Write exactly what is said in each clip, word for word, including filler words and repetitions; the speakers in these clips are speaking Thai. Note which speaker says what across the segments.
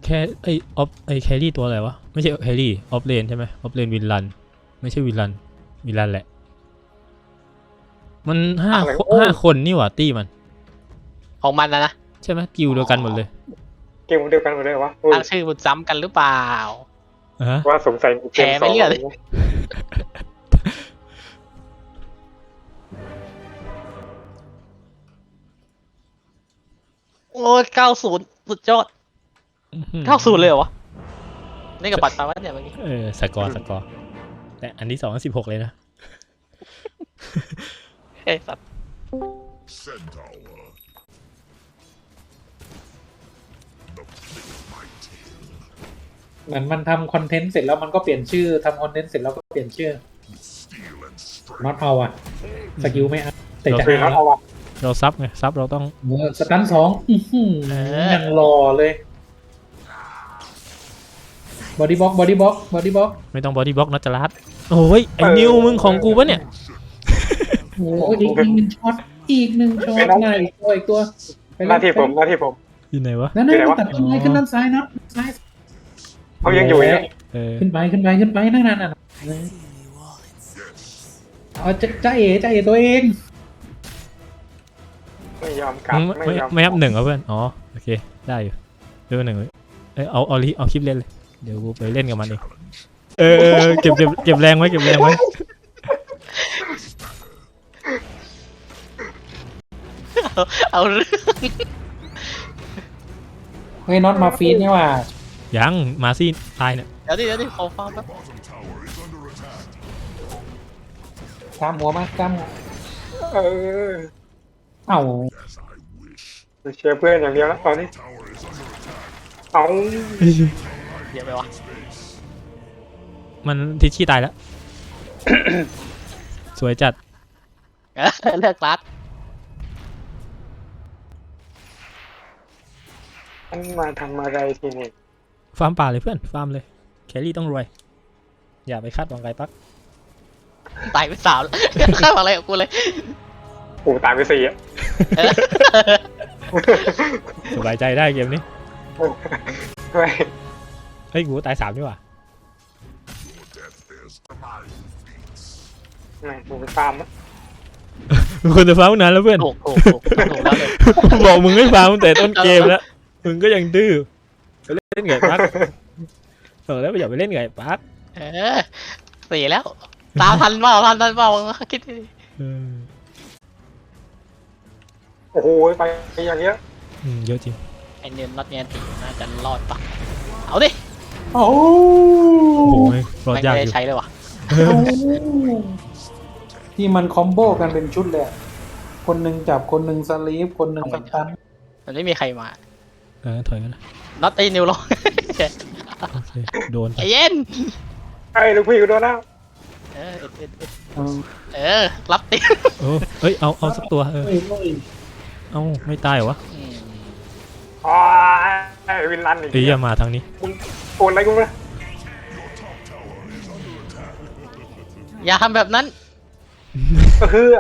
Speaker 1: แค่ไอออฟไอแครี่ตัวอะไรวะไม่ใช่แครี่ออฟเลนใช่ไหมออฟเลนวินลันไม่ใช่วินลันวินลันแหละมันห้าห้าคนนี่หว่าตี้มัน
Speaker 2: ของมันนะนะ
Speaker 1: ใช่ไหมกิลเดียวกันหมดเลย
Speaker 3: กิลเดียวกันหมดเลยวะ
Speaker 2: ตั้งชื่อมันซ้ำกันหรือเปล่า
Speaker 3: ว่าสงสัย
Speaker 2: แพ้ไม่เลือกเลยโอ้เก้าศูนย์สุดยอดเก้าศูนย์เลยเหรอวะนี่กับปัดตาวัดเนี่ยเมื่อกี้
Speaker 1: เออสกอร์สกอร์แต่อันที่สองสิบหกเลยนะ
Speaker 2: เฮ้ยสัตว์
Speaker 4: เหมือนมันทำคอนเทนต์เสร็จแล้วมันก็เปลี่ยนชื่อทำคอนเทนต์เสร็จแล้วก็เปลี่ยนชื่อน็อตเอาอะสกิลไม่เอาแต่จะ
Speaker 3: น็อตเอาอะ
Speaker 1: เราซับไงซับเราต้อง
Speaker 4: สตันสองยังรอเลยบอดี้บล็อกบอดี้บล็อกบอดี้บล็อก
Speaker 1: ไม่ต้องบอดี้บล็อกนะจรัสโอ้ยไอ้นิวมึงของกูปะเนี่ย
Speaker 4: โอ้ยอีกหนึ่งช็อตอีกหนึ่งช็อตหน้าอีกตัวอีกตัว
Speaker 3: หน้าที่ผมหน้าที่ผม
Speaker 1: อยู่ไหนวะ
Speaker 4: นั่นนั่นตัดต้นไม้ขึ้นด้านซ้ายนะซ้าย
Speaker 3: เขายังอยู่เนี่ย
Speaker 4: ขึ้นไปขึ้นไปขึ้นไปนั่นนั่นนั่นเอาจะจะเอ๋จะเอ๋ตัวเอง
Speaker 3: ไม่ยอมกลับ
Speaker 1: ไม่ไม่ยับหนึ่งเหรอเพื่อนอ๋อโอเคได้อยู่เรื่องหนึ่งเลยเออเอาเอาลิเอาคลิปเล่นเลยเดี๋ยวกูไปเล่นกับมันเองเออเก็บเก็บเก็บแรงไว้เก็บแรงไว้
Speaker 2: เอาเรื่อง
Speaker 4: เฮ้ยน็อตมาฟีนนี่ว่า
Speaker 1: ยังมาซี่ตายเนี่ย
Speaker 2: เดี๋ยวดิเดี๋ยวดิขอฟังแป๊บ
Speaker 4: ตามหัวมาตาม
Speaker 3: เออ
Speaker 4: เอ้า
Speaker 3: เชียร์เพื่อนอย่างเดียวแล้วตอนนี้เอา
Speaker 2: เดี๋ยวไปวะ
Speaker 1: มันทิชชี่ตายแล้วสวยจัด
Speaker 2: เลือกรัด
Speaker 3: มันมาทำอะไรทีนี้
Speaker 1: ฟาร์มป่าเลยเพื่อนฟาร์มเลยแครี่ต้องรวยอย่าไปคาดหวังไกลปัก
Speaker 2: ตายไปสามแล้วคาดหวังอะไรกับกูเลย
Speaker 3: โอ้ตายไปสี่อะ
Speaker 1: สบายใจได้เกมนี้เฮ้ยกูตายสามดีกว่า
Speaker 3: ไม่ผมไปฟาร์มแล้ว
Speaker 1: คนจะฟาร์มนานแล้วเพื่อน
Speaker 2: ถูกถูกถูกถูกแล้วเลย
Speaker 1: บอกมึงไม่ฟาร์มแต่ต้นเกมแล้วมึงก็ยังดื้อไปเล่นไงปักเออแล้วไปอย่าไปเล่นไงปัก
Speaker 2: เออสี่แล้วตามทันเปล่าทันทันเปล่าคิดดิ
Speaker 3: โอ้โหไปอย่างเงี้ย
Speaker 1: อืมเยอะจริง
Speaker 2: ไอเนียนน็อตเนียนตีน่าจะรอดปะเอาดิ
Speaker 4: โอ้
Speaker 1: โหรอดยากอยู่
Speaker 2: ไม่ได้ใช้เลยว่ะ
Speaker 4: ที่มันคอมโบกันเป็นชุดเลยคนหนึ่งจับคนหนึ่งสลีฟคนหนึ่งสตัน
Speaker 2: มันไม่มีใครมา
Speaker 1: เออถอยกันนะ
Speaker 2: น็อตไอนิวลง
Speaker 1: โดน
Speaker 2: ไอเย็น
Speaker 3: ไอ้ลูกพี่กูโดนแล้ว
Speaker 2: เออเออรับตี
Speaker 1: เฮ้ยเอาเอาสักตัวเออเอาไม่ตายเหรอวะ
Speaker 3: อ๋อไอ้วินลันอีก
Speaker 1: เอ้ยมาทางนี้
Speaker 3: โอนอะไรกูนะ
Speaker 2: อย่าทำแบบนั้น
Speaker 3: เฮ้อ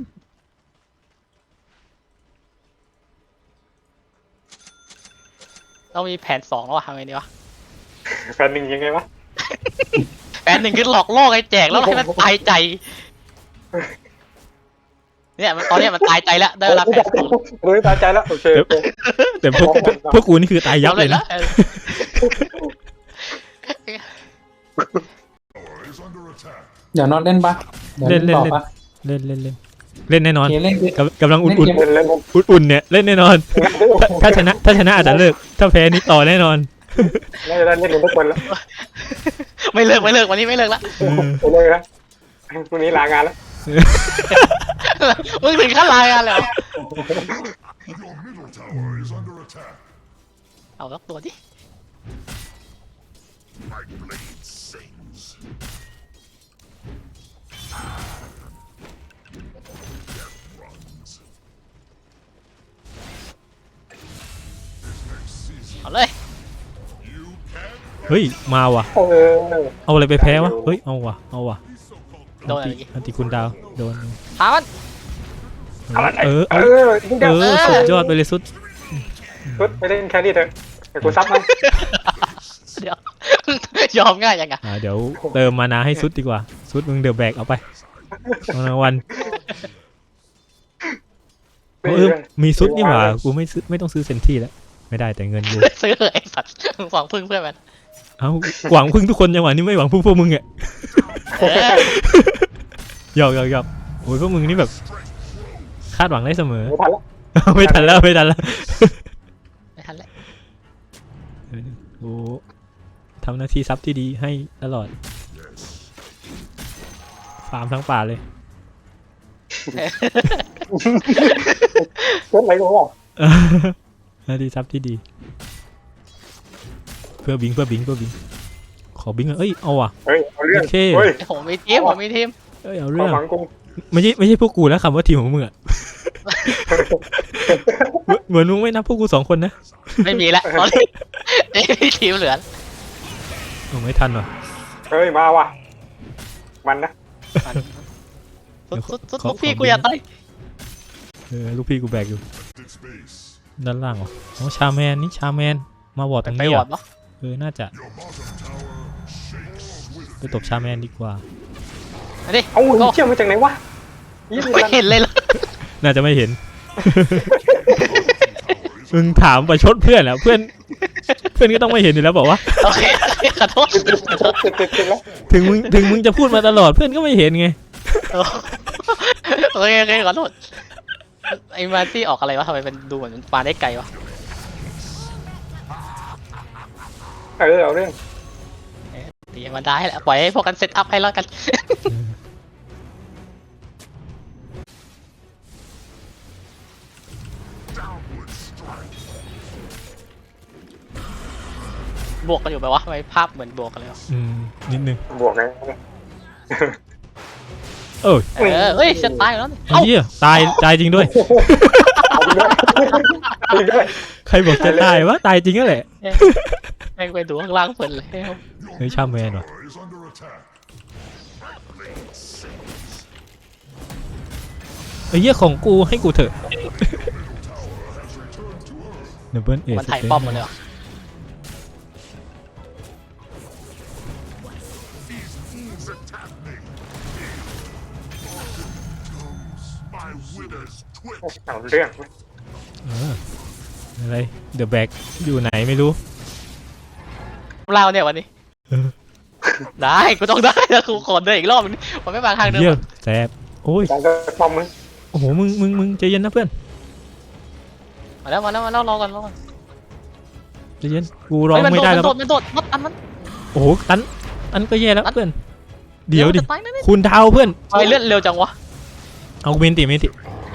Speaker 2: เรามีแผนสองแล้วทำไงดีวะ
Speaker 3: แผนหนึ่งยังไงวะ
Speaker 2: แผนหนึ่งคือหลอกล่อไอ้แจกแล้วให้มันตายใจเนี่ยตอนนี้มันตายใจแล้วได้เวลาแผนสอง
Speaker 3: รู้ตายใจแล้วโอเค
Speaker 1: แต่พวกพวกกูนี่คือตายยับเลยนะ
Speaker 4: เดี๋ยวนอนเล่นปะ
Speaker 1: เล่นเล่นเล่นเล่นเล่นเล่นแน่นอนกำลังอุ่นอุ่นอุ่นเนี่ยเล่นแน่นอนถ้าชนะถ้าชนะอาจจะเลิกถ้าแพ้นี่ต่อแน่นอน
Speaker 3: น่าจะได้เล่นทุกคนแล้ว
Speaker 2: ไม่เลิกไม่เลิกวันนี้ไม่เลิกละ
Speaker 3: ไม่เลิกแล้วพรุ่งนี้ลางานแล้ว
Speaker 2: มึงถึงขั้นลางานแล้วเอาล็อกตัวดิเอาเลย
Speaker 1: เฮ้ยมาว่ะเอาอะไรไปแพ้วะเฮ้ยเอาว่ะเอาว่ะ
Speaker 2: โดนอะไร
Speaker 1: อันติคุณดาวโดน
Speaker 2: ถาม
Speaker 1: มันเออเออเออสุดยอดไปเลยสุด
Speaker 3: สุดไปเล่นแครี่เถอะแต่กูซับมัน
Speaker 2: เดี๋ยวยอมง่ายยังไง
Speaker 1: อ่าเดี๋ยวเติมมานาให้ซุดดีกว่าซุดมึงเดือบแบกเอาไปเอารางวัลเออมีซุดนี่หว่ากูไม่ซื้อไม่ต้องซื้อเซนที่แล้วไม่ได้แต่เงินกู
Speaker 2: ซื้อเลยไอ้สัตว์หวังพึ่งเพื่อนมัน
Speaker 1: เอ้าหวังพึ่งทุกคนจังหวะนี้ไม่หวังพึ่งพวกมึงอ่ะ
Speaker 2: เออ
Speaker 1: หยอกหยอกหยอกโอ้ยพวกมึงนี่แบบคาดหวังได้เสมอ
Speaker 3: ไม่ทันแล้ว
Speaker 1: ไม่ทันแล้วไม่ทันแล้ว
Speaker 2: ไม่ทันแล้ว
Speaker 1: โอ้ทำหน้าที่ซับที่ดีให้ตลอดฟาร์มทั้งป่าเลย
Speaker 3: เกิดอะไรกูวะ
Speaker 1: หน้าที่ซับที่ดี เพื่อบิงเพื่อบิงเพื่อบิงขอบิงอ่ะเอ้ยเอาว่ะ
Speaker 3: เฮ้ยเอาเรื่อง
Speaker 1: โอเค
Speaker 3: เฮ้ย
Speaker 2: ผมมีทีมผมมีทีม
Speaker 1: เอ้ยเอา
Speaker 3: ค
Speaker 1: เรื่
Speaker 3: วา
Speaker 1: อ
Speaker 3: ม
Speaker 1: ง
Speaker 3: หวังกู
Speaker 1: ไม่ใช่ไม่ใช่พวกกูแล้วคำว่าทีมของมึงอ่ะ เหมือนมึงไม่นับพวกกูสองคนนะ
Speaker 2: ไม่มีแล้วตอนนี้ไม่มีทีมเหลือ
Speaker 1: โอ้ไม่ทันว่ะ
Speaker 3: เฮ้ยมาว่ะมันนะ
Speaker 2: สุดสุดสุดลูกพี่กูอย่าตาย
Speaker 1: เออลูกพี่กูแบกอยู่ด้านล่างวะอ๋อชาแมนนี่ชาแมนมาบอดตรง
Speaker 2: ไป
Speaker 1: นี้
Speaker 2: วอ
Speaker 1: อ่ะ
Speaker 2: ร์ดปะ
Speaker 1: เออน่าจะไปตบชาแมนดีกว่า
Speaker 2: อันนี้
Speaker 3: เอ้ามึงเชื่อมาจากไหนวะยี่สิบ
Speaker 2: ไม่
Speaker 3: ล้าน
Speaker 2: เห็นเลยล่ะ
Speaker 1: น่าจะไม่เห็น มึงถามประชดเพื่อนแล้วเพื่อนเพื่อนก็ต้องไม่เห็นอยู่แล้วบอกว่า
Speaker 2: โอเคขอโทษ
Speaker 3: ติดติดติดติดติดแล้ว
Speaker 1: ถึงมึงถึงมึงจะพูดมาตลอดเพื่อนก็ไม่เห็นไง
Speaker 2: โอเคโอเคขอโทษไอ้มาที่ออกอะไรวะทำไมมันดูเหมือนมันปาได้ไกลวะ
Speaker 3: เออเอาเรื่อง
Speaker 2: ตีมันได้แหละปล่อยให้พวกกันเซตอัพให้แล้วกัน บวกกันอยู่ไหมวะทำไมภาพเหมือนบวกกันเลยวะ
Speaker 1: อืมนิดนึง
Speaker 3: บวกไง
Speaker 1: เออ
Speaker 2: เออเฮ้ยจะตายแล้วนี่
Speaker 1: ไอ้เหี้ยตายตายจริงด้วย
Speaker 3: เอาไปด้วยเอาไปด้วย
Speaker 1: ใครบอกจะตายวะตายจริงก็แหละ
Speaker 2: แม่งไปดูข้างล่างเปิดเลย
Speaker 1: เฮ้ยชาแมนว่ะไอ้เหี้ยของกูให้กูเถอะเดบเบิลเอส
Speaker 2: มันถ่ายป้อมหมดเลยเหรอ
Speaker 3: เอาเรื่อง
Speaker 1: เอออะไรเดอะแบกอยู่ไหนไม่รู้
Speaker 2: เล่าเนี่ยวันนี้
Speaker 1: เออ
Speaker 2: ได้กูต้องได้แล้วกูขอเดินอีกรอบนึงมันไม่มาทางเดิม
Speaker 1: เยี่ยมแสบโอ้ย
Speaker 3: การจะปอมมึง
Speaker 1: โอ้โหมึงมึงมึงใจเย็นนะเพื่อน
Speaker 2: มาแล้วมาแล้วมาแล้วรอก่อนรอก่อน
Speaker 1: ใจเย็นกูร้อง
Speaker 2: เฮ้ยมัน
Speaker 1: ไม่
Speaker 2: โด
Speaker 1: ได้
Speaker 2: ด
Speaker 1: แล้ว
Speaker 2: มันโดดมันโดดมันตันมัน
Speaker 1: โอ้โหตันอันก็แย่แล้วเพื่อนเดี๋ยวดิ
Speaker 2: มันจะตายแน่
Speaker 1: คุณดาวเพื่อน
Speaker 2: ๆไปเลื่อนเร็วจังวะ
Speaker 1: เอาเมนติเมนติ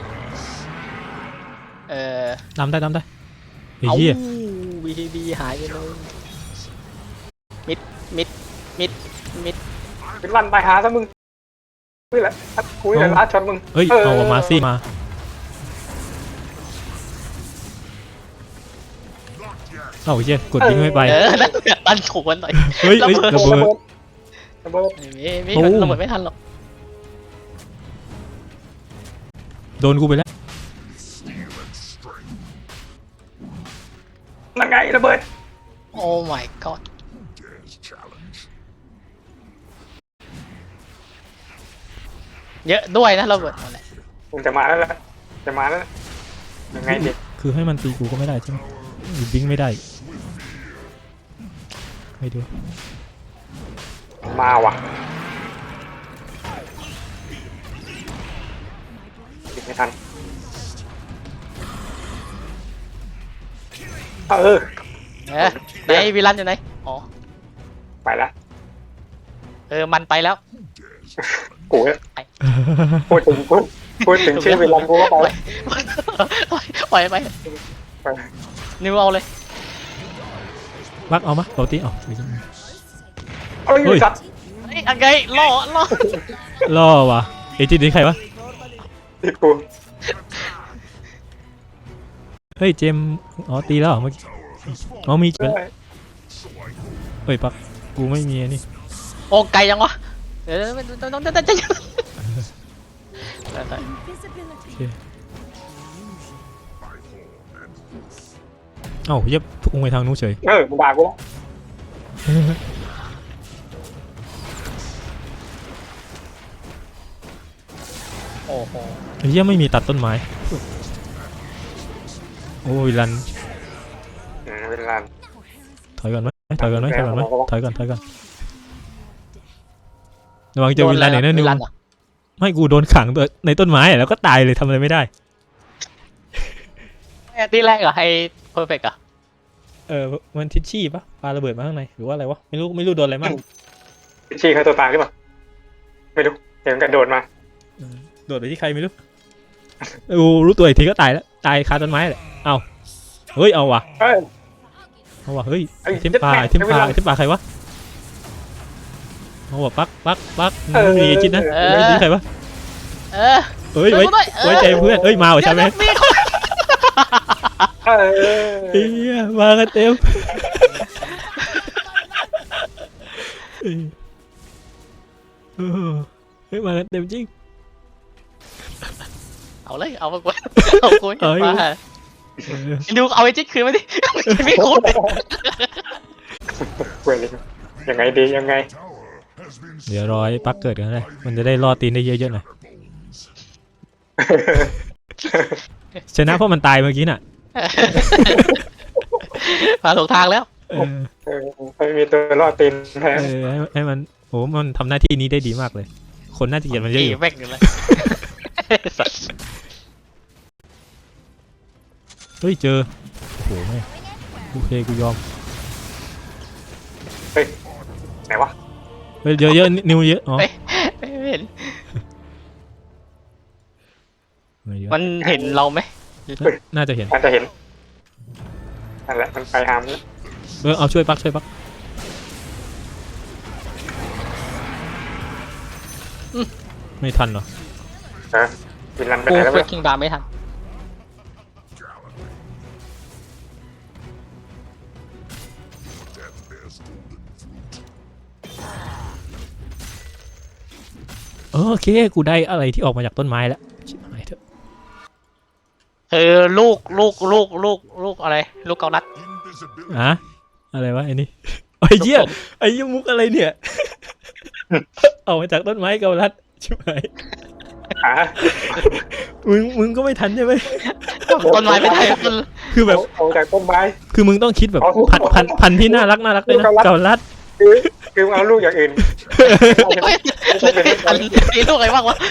Speaker 2: เออ
Speaker 1: ตามได้ตามได้ไอ้
Speaker 2: เอา
Speaker 1: เหี้ย
Speaker 2: บีทีบีหายไปเลยมิดมิดมิดมิด
Speaker 3: เป็นวันตายหาซะมึงนี่แหละกูนี่แหละลาช็อตมึง
Speaker 1: เอ้ยเอามาซี่มาเอ้าไอ้เหี้ยกดยิงไม่ไป
Speaker 2: เออนั่นตันโขนหน่อย
Speaker 1: เฮ้ยเฮ้ยระเบิด
Speaker 3: ระเบิด
Speaker 2: ไม่มีไม่
Speaker 1: โอ้
Speaker 2: มีระเบิดไม่ทันหรอก
Speaker 1: โดนกูไปแล้ว
Speaker 3: นั่นไงระเบิด
Speaker 2: โอ้ my god เยอะด้วยนะระเบิดหมดแหละ
Speaker 3: มึงจะมาแล้วแหละจะมาแล้วยังไงดิ
Speaker 1: คือให้มันตีกูก็ไม่ได้ใช่ไหมหรือบิงไม่ได้ไม่ดู
Speaker 3: มาว่ะติดไม่ทันเออ
Speaker 2: เออไหนวิลันอยู่ไหนอ๋อ
Speaker 3: ไปละ
Speaker 2: เออมันไปแล้ว
Speaker 3: กูเนี่ยพูดถึงพูดพูดถึงชื่อเวลากูก็ไป
Speaker 2: ปล่อยไป
Speaker 3: ไป
Speaker 2: นิวเอาเลย
Speaker 1: รักเอามะปกติเอา
Speaker 3: เอ้ย
Speaker 1: เฮ้ย
Speaker 3: จัด
Speaker 2: ไอ้ยังไงล่อล่อ
Speaker 1: ล่อวะเอจินี่ใครวะ
Speaker 3: ติดกู
Speaker 1: เฮ้ยเจมอ๋อตีแล้วเหรอเมื่อกี้อ๋อมีไปแล้วเฮ้ยปักกูไม่มีนี่
Speaker 2: โอ้ไกลยังวะเดี๋ยวต้องต้องต้องต้องต้อง
Speaker 1: โอเคเอ้าเย็บพุ่งไปทางนู้นเฉย
Speaker 3: เออมึงด่ากูแล้ว
Speaker 2: โอ้โห
Speaker 1: ไอ้เหี้ยไม่มีตัดต้นไม้โอ้ยรัน
Speaker 3: อืมเวลา
Speaker 1: ถอยก่อนไหมถอยก่อนไหมถอยก่อนไหมถอยก่อนถอยก่อนระวังเจอวิลลันหน่อยนะนิว
Speaker 2: วิลลัเหรอ
Speaker 1: ไม่กูโดนขังตัวในต้นไม้อะแล้วก็ตายเลยทำอะไรไม่ได้
Speaker 2: ไอ้ที่แรกเหรอไอ้เพอร์เฟกต์อะ
Speaker 1: เออมันทิชชี่ปะปาระเบิดมาข้างในหรือว่าอะไรวะไม่รู้ไม่รู้โดนอะไรมั่ง
Speaker 3: ชี้เขาตัวตายหรือเปล่าไม่รู้เดี๋ยวมันกระโดดมา
Speaker 1: เออโดดไปที่ใครไม่รู้กูรู้ตัวอีกทีก็ตายแล้วตายคาต้นไม้แหละเอาเฮ้ยเอาว่ะ
Speaker 3: เอ้ย
Speaker 1: เอาว่ะเฮ้ย
Speaker 3: ไอ้
Speaker 1: เทมปลา
Speaker 3: เจ็
Speaker 1: เท
Speaker 3: ด
Speaker 1: ม
Speaker 3: แม่
Speaker 1: ปลา
Speaker 3: ไม่เป็นไร
Speaker 1: เทมปลาใครวะเอาว่ะปักปักปักไม่มีจิตนะ
Speaker 3: เออ
Speaker 1: ไม่มีใครวะ
Speaker 2: เออ
Speaker 1: เอ้ยไว้
Speaker 2: ช่วยกูด้วยเออ
Speaker 1: ไว้ใจเพื่อนเอ้ยมาว่ะใช่ไหม
Speaker 2: เดี๋ยวมีคน
Speaker 3: เออ
Speaker 1: เฮียมากันเต็มเออเฮ้ยมากันเต็มจริง
Speaker 2: เอาเลยเอาไปกูเอากู
Speaker 1: เอาอยู่
Speaker 2: มา
Speaker 1: เออ
Speaker 2: ดูเอาไอ้จิ๊กคืนมาดิไม่คุ้นเลย
Speaker 3: เว้ยยังไงดียังไง
Speaker 1: เดี๋ยวรอให้ปักเกิดกันเลยมันจะได้รอดตีนได้เยอะๆหน่อยชนะเพราะมันตายเมื่อกี้น่ะ
Speaker 2: มาถูกทางแล้ว
Speaker 1: เออ
Speaker 3: เออไม่มีตัวรอดตีนแทน
Speaker 1: เออให้ให้มันโหมันทำหน้าที่นี้ได้ดีมากเลย คนน่าจะเกลียดมันเยอะ
Speaker 2: อี
Speaker 1: อยู่
Speaker 2: แม่งอยู่เลยสัตว์
Speaker 1: เฮ้ยเจอโอ้โหแม่งโอเคกูยอม
Speaker 3: ไหนวะ
Speaker 1: เฮ้ยเยอะเยอะนิวเยอะอ๋อ
Speaker 2: ไม่เห็น
Speaker 1: ไม่เยอะ
Speaker 2: มันเห็นเราไหม
Speaker 1: น่าจะเห็น
Speaker 3: อาจจะเห็นนั่นแหละมันไปหามแล้ว
Speaker 1: เออเอาช่วยปักช่วยปักไม่ทันเหรอ
Speaker 3: เออวินลันไป
Speaker 2: กู
Speaker 3: ไหนแล้ว
Speaker 2: เฟ
Speaker 3: เว้
Speaker 2: ก
Speaker 3: ย
Speaker 2: คิงบาร์ไม่ทัน
Speaker 1: เออโอเคกูได้อะไรที่ออกมาจากต้นไม้แล้วชิบหายเถอะ
Speaker 2: คือลูกลูกลูกลูกลูกอะไร ลูกเกาลัด
Speaker 1: อะอะไรวะไอ้นี่ไอ้เหี้ยไอ้เหี้ยมุกอะไรเนี่ย ออกมาจากต้นไม้เกาลัดชิบหาย
Speaker 3: อ่ะ
Speaker 1: มึงมึงก็ไม่ทันใช่ไหม
Speaker 2: ต้นไม้ไม่ได้ต้น
Speaker 1: คือแบบ
Speaker 3: เอาจากต้นไม้
Speaker 1: คือมึงต้องคิดแบบ
Speaker 3: เอา
Speaker 1: พันพันพันที่น่ารักน่ารักเลยนะ
Speaker 3: เกาลัด
Speaker 1: เกาลัด
Speaker 3: คือคือเอาลูกอย่างอื่น
Speaker 2: ไม่ทันมีลูกอะไรบ้างวะ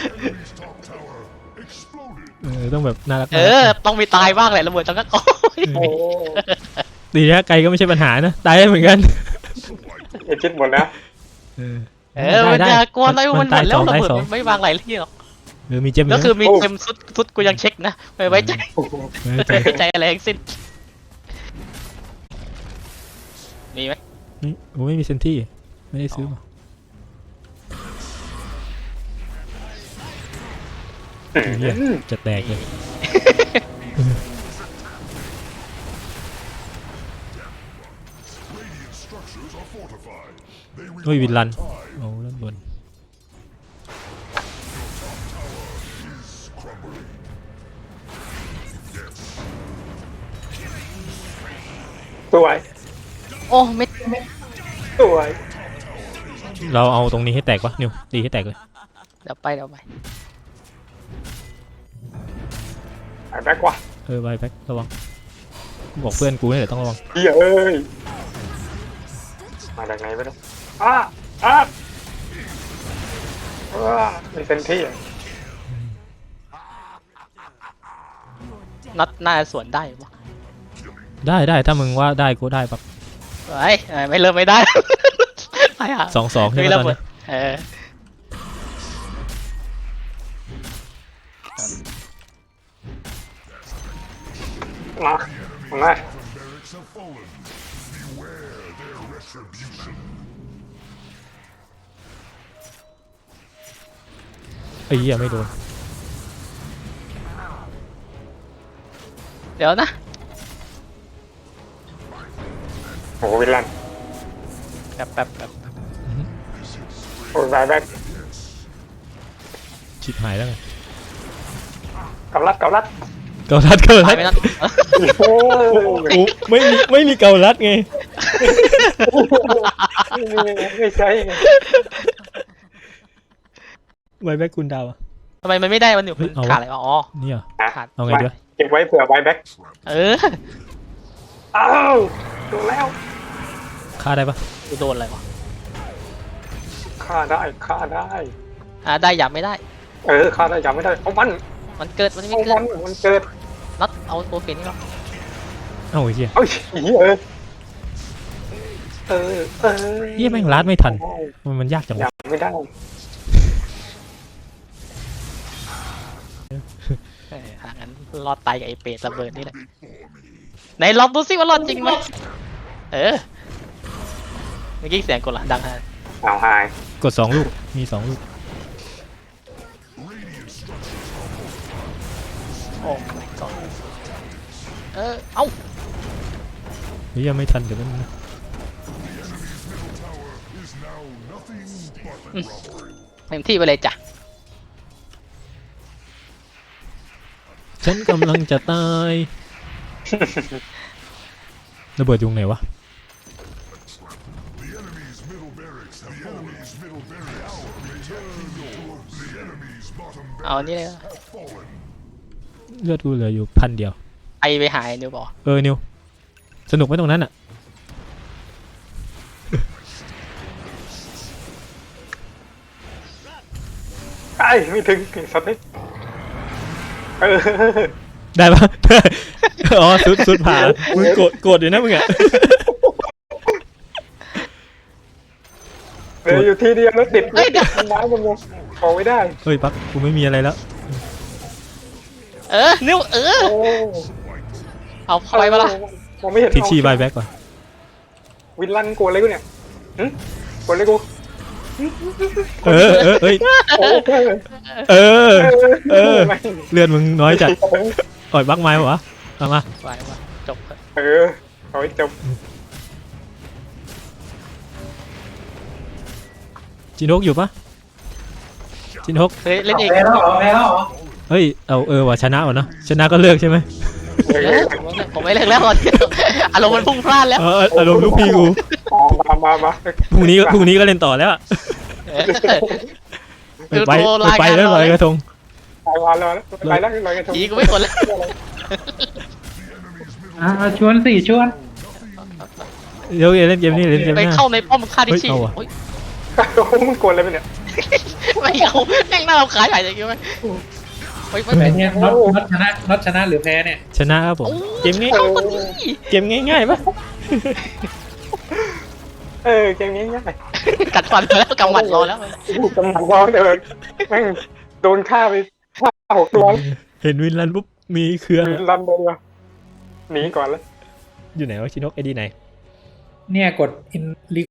Speaker 1: เออต้องแบบน่ารัก
Speaker 2: เออ ต้องมีตายบ้างแหละระเบิดจังก็โอ้ย
Speaker 3: โอ้
Speaker 1: ดีนะไกลก็ไม่ใช่ปัญหานะตายได้เหมือนกัน
Speaker 3: ยคิดหมดนะ
Speaker 1: เออ
Speaker 2: เออมันจะกลัวอะไรมันหมดแล้วระ
Speaker 1: ตาย
Speaker 2: เบิด
Speaker 1: สอง
Speaker 2: มันไม่วางหลายที่หรอก
Speaker 1: เออมีเจมส์
Speaker 2: แล้วคือมีเต็มสุดสุดกูยังเช็คนะไม่ไว้ใจ
Speaker 1: ไม่ใจ
Speaker 2: ไม่ไว้ใจอะไรทั้งสิ้นมีไหม
Speaker 1: นี่โอ้ไม่มีเซนที่ไม่ได้ซื้อมาเหี้ยจะแตกเลยโอ้ยวินลันโอ้ด้านบน
Speaker 3: สวย
Speaker 2: โอ้ไม่
Speaker 3: สวย
Speaker 1: เราเอาตรงนี้ให้แตกปะนิวตีให้แตกเลย
Speaker 2: เดี๋ยวไปเดี๋ยวไป
Speaker 3: หายแบ็กว่ะ
Speaker 1: เออไวแบ็คระวังบอกเพื่อนกูนี่แหละต้องระวัง
Speaker 3: เหี้ยเอ้ยมาจากไหนไม่รู้อ้าอ้าอ้ามีเซนที่อ่ะ
Speaker 2: นัดหน้าสวนได้ปะ
Speaker 1: ได้ได้ถ้ามึงว่าได้กูได้ปะ
Speaker 2: เฮ้ยไม่เริ่มไม่ได้ ไปอ่ะ
Speaker 1: สองสองใช่ไหม
Speaker 2: มีระ
Speaker 1: ตอน
Speaker 2: เบิ
Speaker 1: นี้
Speaker 2: ดเออ
Speaker 3: มามา
Speaker 1: ไอ้เหี้ยไม่โดน
Speaker 2: เดี๋ยวนะ
Speaker 3: โอ้วินลัน
Speaker 2: แป๊บแป๊บแป๊บ
Speaker 3: โอ้ยแบ็ก
Speaker 1: ชิบหายแล้วไง
Speaker 3: กับรัดกับรัด
Speaker 1: เกาลัดเกาลั
Speaker 2: ตาย
Speaker 1: ด
Speaker 2: ไปนั่น
Speaker 3: โอ้ย
Speaker 1: โอ้ไม่มีไม่มีเกาลัดไง
Speaker 3: ไม่ใช่ไง
Speaker 1: ไวแบ็กคุณดาวอะ
Speaker 2: ทำไมมันไม่ได้มันอยู่
Speaker 1: เฮ้ยเอาวะ
Speaker 2: ขาดอะไรวะอ๋อ
Speaker 1: เนี่ย
Speaker 2: ขาด
Speaker 1: เอาไงดีวะ
Speaker 3: เก็บไว้เผื่อไว้แบ็ค
Speaker 2: เออ
Speaker 3: อ้าวโดนแล้ว
Speaker 1: ฆ่าได้ปะ
Speaker 2: กูโดนอะไรวะ
Speaker 3: ฆ่าได้ฆ่าได้
Speaker 2: อ่าได้ยับไม่ได้
Speaker 3: เออฆ่าได้ยังไม่ได้เอามัน
Speaker 2: มันเกิดมันไม่
Speaker 3: เอา
Speaker 2: เกิ
Speaker 3: มั
Speaker 2: ด
Speaker 3: นมันเกิด
Speaker 2: น็อตเอาตัวเปลี่ยนนี่หรอ
Speaker 1: เอ้าไอ้เหี้ย
Speaker 3: เอ้ยเออเออเออ
Speaker 1: เหี้ยแม่งลัดไม่ทันมันมันยากจัง
Speaker 3: ยั
Speaker 1: วะ
Speaker 3: งไม่ได้
Speaker 2: เออหางั้นรอดตายกับไอเปรตระเบิดนี่แหละไหนลองดูสิว่ารอดจริงไหมเออเมื่อกี้เสียงกดละดังฮะ
Speaker 3: เอาหาย
Speaker 1: กดสองลูกมีสองลูก
Speaker 2: โอ้ก่อนเออเอ้า
Speaker 1: เฮ้ยยังไม่ทันเดี๋ยวมันนะ
Speaker 2: เต็มที่ไปเลยจ้ะ
Speaker 1: ฉันกำลังจะตายระเบิดยุงไหนวะ
Speaker 2: เอาอันนี้เลยนะ
Speaker 1: เลือดกูเหลืออยู่พันเดียว
Speaker 2: ไอไปหายนิวบอก
Speaker 1: เออนิวสนุกไหมตรงนั้นอ่ะ
Speaker 3: ไอ้ไม่ถึงสัตว์นี่เออ
Speaker 1: ได้ปะ อ๋อสุดสุดผ่ามึงโกรธโกรธอยู่นะมึงอ่ะ
Speaker 3: เหลืออยู่ที่เดียวแล้วติดไม้มันลงออกไม่ได้
Speaker 1: เฮ้ยปั๊กกูไม่มีอะไรแล้ว
Speaker 2: เออนิวเออ
Speaker 3: โอ้
Speaker 2: เอาเข้าไปมาละ
Speaker 3: มองไม่เห็น
Speaker 1: ทิกชี่บายแบ็กก่อน
Speaker 3: วินลันกลัวอะไรกูเนี่ยหึกลัวอะไรกู
Speaker 1: เออเออเอ้ย
Speaker 3: โอ้
Speaker 1: เออ เออ
Speaker 3: ไม่
Speaker 1: เลือดมึงน้อยจัดอ่อยบักไม้วะเอามา
Speaker 2: ไปมาจบเถอะ
Speaker 3: เออเอาไว้จบ
Speaker 1: จินฮกอยู่ปะจินฮก
Speaker 2: เฮ้ยเล่นเอง
Speaker 4: แพ้แล้วเหรอแพ้แล้วเหรอ
Speaker 1: เฮ้ยเอาเออว่ะชนะว่ะเนอะชนะก็เลือกใช่ไหม
Speaker 3: เอ
Speaker 2: เอ
Speaker 3: อ
Speaker 2: อผมไม่เล่นแล้วก่อนอารมณ์มันพุ่งพลาดแล้ว
Speaker 1: เอออารมณ์ลูกพี่กู
Speaker 3: มามามา
Speaker 1: พรุ่งนี้พรุ่งนี้ก็เล่นต่อแล้วอะ
Speaker 2: เออ
Speaker 1: ไปไปไปแล้วลอยกระทง
Speaker 3: ไปมาแล้วไปแล้วลอยกระทง
Speaker 2: ผีกูไม่สนแล้ว
Speaker 4: อ่าชวนสิชวน
Speaker 1: เดี๋ยวเล่นเกมนี้เล่นเกมห
Speaker 2: ไป
Speaker 1: น้า
Speaker 2: เข้าในป้อมฆ่าที่
Speaker 1: เฮ้ย
Speaker 2: ชี
Speaker 1: เอาว่ะ
Speaker 2: โอ้ย
Speaker 3: โอ้โหมึงกดอะไรไปเนี่ย
Speaker 2: ไม่เอาแม่งหน้าเราขายใหญ่อย่างงี้ไหมเฮ้ยไม่
Speaker 4: แต่
Speaker 2: เป็น
Speaker 4: เนี่ยน็อตน็อตชนะน็อตชนะหรือแพ้เนี่ย
Speaker 1: ชนะครับผมเกมง่าย
Speaker 2: เข้าคนนี้
Speaker 1: เกมง่ายๆปะ
Speaker 3: เออเกมนี้ง่าย
Speaker 2: กัดฟันมาแล้วกำหมัดรอแล้ว
Speaker 3: กำลังร้องเดินแม่งโดนฆ่าไปห้าหกตัว
Speaker 1: เห็นวินลันปุ๊บมีเครือ
Speaker 3: ลันเลยหนีก่อนแล้ว
Speaker 1: อยู่ไหนวะชินกไอดีไหน
Speaker 4: เนี่ยกด in